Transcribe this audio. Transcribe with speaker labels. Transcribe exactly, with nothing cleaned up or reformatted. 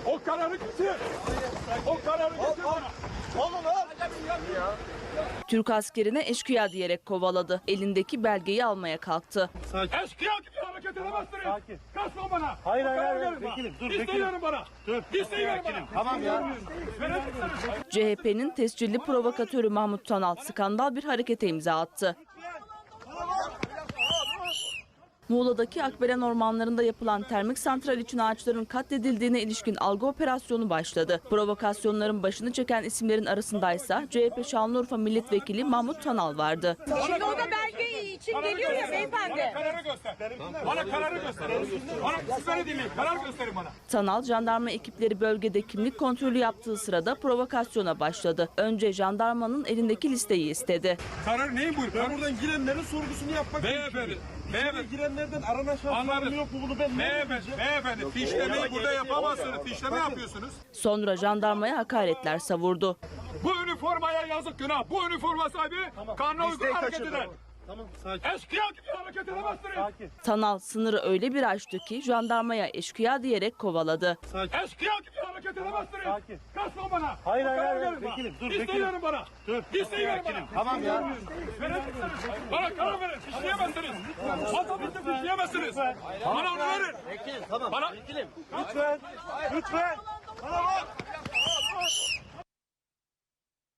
Speaker 1: O kararı getir. O kararı getir bana.
Speaker 2: Oğlum lan.
Speaker 3: Türk askerine eşkıya diyerek kovaladı. Elindeki belgeyi almaya kalktı.
Speaker 1: Eşkıya gibi hareket edemezsiniz.
Speaker 2: Sakin.
Speaker 1: Kaçma bana.
Speaker 2: Hayır,
Speaker 1: O
Speaker 2: hayır,
Speaker 1: kararı
Speaker 2: hayır.
Speaker 1: verin bana.
Speaker 2: Vekilim, dur,
Speaker 1: İsteyin
Speaker 2: vekilim.
Speaker 1: verin bana.
Speaker 2: Dur.
Speaker 1: İsteyin verin bana.
Speaker 2: Tamam ya.
Speaker 1: Vereceksiniz.
Speaker 3: C H P'nin tescilli provokatörü Mahmut Tanal skandal bir harekete imza attı. Muğla'daki Akbelen ormanlarında yapılan termik santral için ağaçların katledildiğine ilişkin algı operasyonu başladı. Provokasyonların başını çeken isimlerin arasındaysa C H P Şanlıurfa Milletvekili Mahmut Tanal vardı.
Speaker 4: Şimdi o da belge için geliyor ya beyefendi.
Speaker 1: Bana kararı göster. Bana kararı göster. Bana siz beni dinleyin. Karar gösterin bana.
Speaker 3: Tanal, jandarma ekipleri bölgede kimlik kontrolü yaptığı sırada provokasyona başladı. Önce jandarmanın elindeki listeyi istedi.
Speaker 1: Karar neyin buyur?
Speaker 2: Ben buradan girenlerin sorgusunu yapmak
Speaker 1: Beyefendi. Beyefendi.
Speaker 2: girenlerden aranan şahısların
Speaker 1: Anladım.
Speaker 2: yok mu bunu ben ne
Speaker 1: Beyefendi.
Speaker 2: bileceğim?
Speaker 1: Beyefendi. Fişlemeyi burada yapamazsınız. Fişleme yapıyorsunuz.
Speaker 3: Sonra jandarmaya hakaretler savurdu.
Speaker 1: Bu üniformaya yazık günah. Bu üniforma sahibi kanuna uygun
Speaker 2: Listeyi
Speaker 1: hareket
Speaker 2: kaçırdı.
Speaker 1: eder.
Speaker 2: Tamam sakin.
Speaker 1: Eşkıya gibi hareket edemezsiniz.
Speaker 2: Sakin.
Speaker 3: Tanal sınırı öyle bir aştı ki jandarmaya eşkıya diyerek kovaladı.
Speaker 2: Sakin.
Speaker 1: Eşkıya gibi hareket edemezsiniz.
Speaker 2: Sakin.
Speaker 1: Kaçma bana.
Speaker 2: Hayır,
Speaker 1: O
Speaker 2: hayır,
Speaker 1: kararı
Speaker 2: hayır.
Speaker 1: verin bana.
Speaker 2: Vekilim, dur,
Speaker 1: İsteyin
Speaker 2: vekilim.
Speaker 1: verin bana.
Speaker 2: Dur.
Speaker 1: İsteyin verin bana.
Speaker 2: Tamam ya.
Speaker 1: Vereceksiniz. Bana karar verin. Fişleyemezsiniz. Vatandaşı fişleyemezsiniz. Bana onu verin.
Speaker 2: Vekilim tamam.
Speaker 1: Bana
Speaker 2: Lütfen. Lütfen. Bana bak.